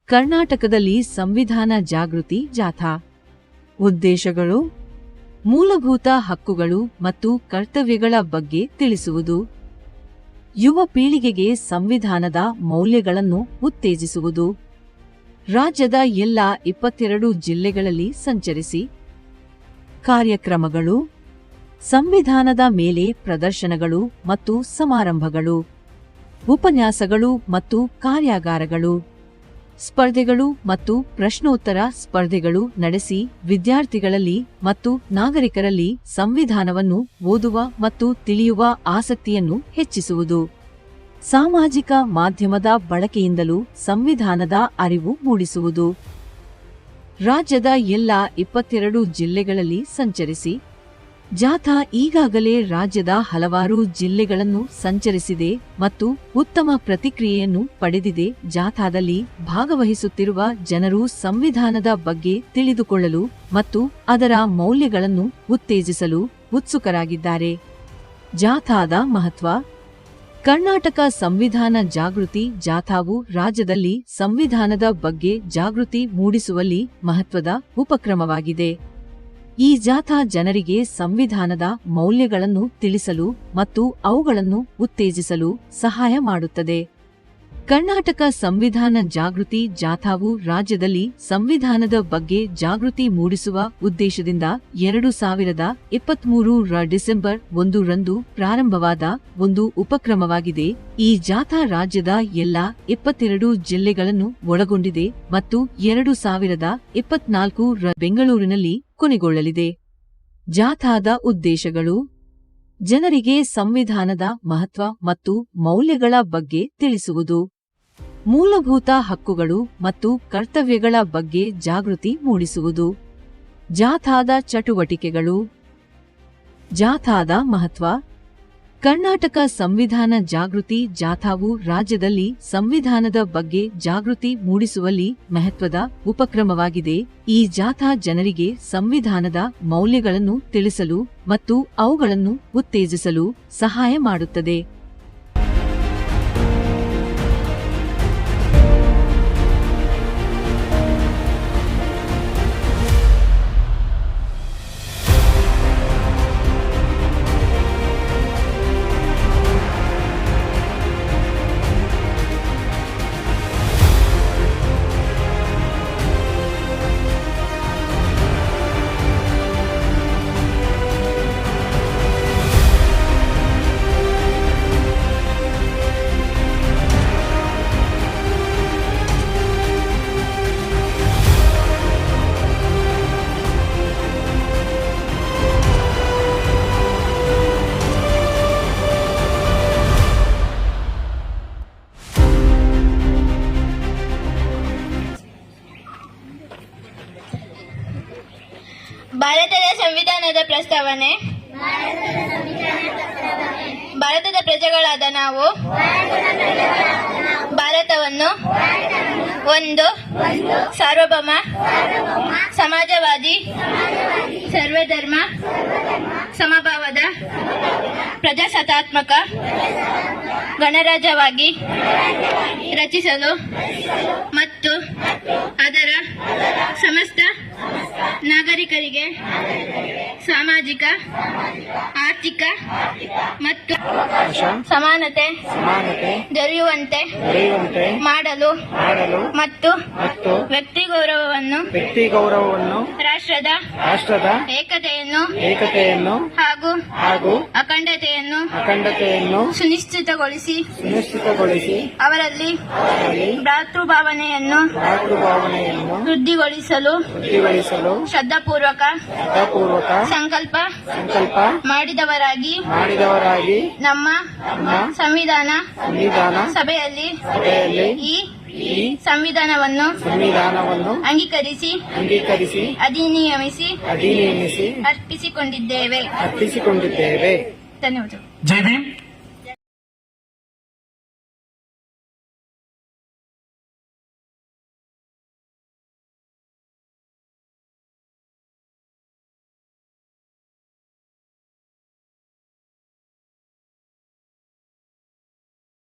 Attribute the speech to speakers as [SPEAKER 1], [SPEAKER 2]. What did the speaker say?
[SPEAKER 1] ಕರ್ನಾಟಕದಲ್ಲಿ ಸಂವಿಧಾನ ಜಾಗೃತಿ ಜಾಥಾ. ಉದ್ದೇಶಗಳು: ಮೂಲಭೂತ ಹಕ್ಕುಗಳು ಮತ್ತು ಕರ್ತವ್ಯಗಳ ಬಗ್ಗೆ ತಿಳಿಸುವುದು, ಯುವ ಪೀಳಿಗೆಗೆ ಸಂವಿಧಾನದ ಮೌಲ್ಯಗಳನ್ನು ಉತ್ತೇಜಿಸುವುದು, ರಾಜ್ಯದ ಎಲ್ಲ 22 ಜಿಲ್ಲೆಗಳಲ್ಲಿ ಸಂಚರಿಸಿ. ಕಾರ್ಯಕ್ರಮಗಳು: ಸಂವಿಧಾನದ ಮೇಲೆ ಪ್ರದರ್ಶನಗಳು ಮತ್ತು ಸಮಾರಂಭಗಳು, ಉಪನ್ಯಾಸಗಳು ಮತ್ತು ಕಾರ್ಯಾಗಾರಗಳು, ಸ್ಪರ್ಧೆಗಳು ಮತ್ತು ಪ್ರಶ್ನೋತ್ತರ ಸ್ಪರ್ಧೆಗಳು ನಡೆಸಿ ವಿದ್ಯಾರ್ಥಿಗಳಲ್ಲಿ ಮತ್ತು ನಾಗರಿಕರಲ್ಲಿ ಸಂವಿಧಾನವನ್ನು ಓದುವ ಮತ್ತು ತಿಳಿಯುವ ಆಸಕ್ತಿಯನ್ನು ಹೆಚ್ಚಿಸುವುದು. ಸಾಮಾಜಿಕ ಮಾಧ್ಯಮದ ಬಳಕೆಯಿಂದಲೂ ಸಂವಿಧಾನದ ಅರಿವು ಮೂಡಿಸುವುದು. ರಾಜ್ಯದ ಎಲ್ಲ 22 ಜಿಲ್ಲೆಗಳಲ್ಲಿ ಸಂಚರಿಸಿ. ಜಾಥಾ ಈಗಾಗಲೇ ರಾಜ್ಯದ ಹಲವಾರು ಜಿಲ್ಲೆಗಳನ್ನು ಸಂಚರಿಸಿದೆ ಮತ್ತು ಉತ್ತಮ ಪ್ರತಿಕ್ರಿಯೆಯನ್ನು ಪಡೆದಿದೆ. ಜಾಥಾದಲ್ಲಿ ಭಾಗವಹಿಸುತ್ತಿರುವ ಜನರು ಸಂವಿಧಾನದ ಬಗ್ಗೆ ತಿಳಿದುಕೊಳ್ಳಲು ಮತ್ತು ಅದರ ಮೌಲ್ಯಗಳನ್ನು ಉತ್ತೇಜಿಸಲು ಉತ್ಸುಕರಾಗಿದ್ದಾರೆ. ಜಾಥಾದ ಮಹತ್ವ: ಕರ್ನಾಟಕ ಸಂವಿಧಾನ ಜಾಗೃತಿ ಜಾಥಾವು ರಾಜ್ಯದಲ್ಲಿ ಸಂವಿಧಾನದ ಬಗ್ಗೆ ಜಾಗೃತಿ ಮೂಡಿಸುವಲ್ಲಿ ಮಹತ್ವದ ಉಪಕ್ರಮವಾಗಿದೆ. ಈ ಜಾಥಾ ಜನರಿಗೆ ಸಂವಿಧಾನದ ಮೌಲ್ಯಗಳನ್ನು ತಿಳಿಸಲು ಮತ್ತು ಅವುಗಳನ್ನು ಉತ್ತೇಜಿಸಲು ಸಹಾಯ ಮಾಡುತ್ತದೆ. ಕರ್ನಾಟಕ ಸಂವಿಧಾನ ಜಾಗೃತಿ ಜಾಥಾವು ರಾಜ್ಯದಲ್ಲಿ ಸಂವಿಧಾನದ ಬಗ್ಗೆ ಜಾಗೃತಿ ಮೂಡಿಸುವ ಉದ್ದೇಶದಿಂದ 2023 ರ ಡಿಸೆಂಬರ್ 1 ರಂದು ಪ್ರಾರಂಭವಾದ ಒಂದು ಉಪಕ್ರಮವಾಗಿದೆ. ಈ ಜಾಥಾ ರಾಜ್ಯದ ಎಲ್ಲ 22 ಜಿಲ್ಲೆಗಳನ್ನು ಒಳಗೊಂಡಿದೆ ಮತ್ತು 2024 ರ ಬೆಂಗಳೂರಿನಲ್ಲಿ ಕೊನೆಗೊಳ್ಳಲಿದೆ. ಜಾಥಾದ ಉದ್ದೇಶಗಳು: ಜನರಿಗೆ ಸಂವಿಧಾನದ ಮಹತ್ವ ಮತ್ತು ಮೌಲ್ಯಗಳ ಬಗ್ಗೆ ತಿಳಿಸುವುದು, ಮೂಲಭೂತ ಹಕ್ಕುಗಳು ಮತ್ತು ಕರ್ತವ್ಯಗಳ ಬಗ್ಗೆ ಜಾಗೃತಿ ಮೂಡಿಸುವುದು. ಜಾಥಾದ ಚಟುವಟಿಕೆಗಳು: ಜಾಥಾದ ಮಹತ್ವ: ಕರ್ನಾಟಕ ಸಂವಿಧಾನ ಜಾಗೃತಿ ಜಾಥಾವು ರಾಜ್ಯದಲ್ಲಿ ಸಂವಿಧಾನದ ಬಗ್ಗೆ ಜಾಗೃತಿ ಮೂಡಿಸುವಲ್ಲಿ ಮಹತ್ವದ ಉಪಕ್ರಮವಾಗಿದೆ. ಈ ಜಾಥಾ ಜನರಿಗೆ ಸಂವಿಧಾನದ ಮೌಲ್ಯಗಳನ್ನು ತಿಳಿಸಲು ಮತ್ತು ಅವುಗಳನ್ನು ಉತ್ತೇಜಿಸಲು ಸಹಾಯ ಮಾಡುತ್ತದೆ.
[SPEAKER 2] ಭಾರತದ ಸಂವಿಧಾನದ ಪ್ರಸ್ತಾವನೆ. ಭಾರತದ ಪ್ರಜೆಗಳಾದ ನಾವು ಭಾರತವನ್ನು ಒಂದು ಸಾರ್ವಭೌಮ, ಸಮಾಜವಾದಿ, ಸರ್ವಧರ್ಮ ಸಮಭಾವದ ಪ್ರಜಾಸತ್ತಾತ್ಮಕ ಗಣರಾಜ್ಯವಾಗಿ ರಚಿಸಲು ಮತ್ತು ಅದರ ಸಮಸ್ತ ನಾಗರಿಕರಿಗೆ ಸಾಮಾಜಿಕ, ಆರ್ಥಿಕ ಮತ್ತು ಸಮಾನತೆ ದೊರೆಯುವಂತೆ ಮಾಡಲು ಮತ್ತು ವ್ಯಕ್ತಿ ಗೌರವವನ್ನು ರಾಷ್ಟ್ರದ ಏಕತೆಯನ್ನು ಹಾಗೂ ಅಖಂಡತೆಯನ್ನು ಸುನಿಶ್ಚಿತಗೊಳಿಸಿ ಅವರಲ್ಲಿ ಭ್ರಾತೃಭಾವನೆಯನ್ನು ವೃದ್ಧಿಗೊಳಿಸಲು ಶ್ರದ್ಧಾಪೂರ್ವಕ ಸಂಕಲ್ಪ ಮಾಡಿದವರಾಗಿ ನಮ್ಮ ಸಂವಿಧಾನ ಸಭೆಯಲ್ಲಿ ಈ ಸಂವಿಧಾನವನ್ನು ಅಂಗೀಕರಿಸಿ ಅಧಿನಿಯಮಿಸಿ ಅರ್ಪಿಸಿಕೊಂಡಿದ್ದೇವೆ. ಧನ್ಯವಾದಗಳು.
[SPEAKER 3] ಜೈ ಭೀಮ್.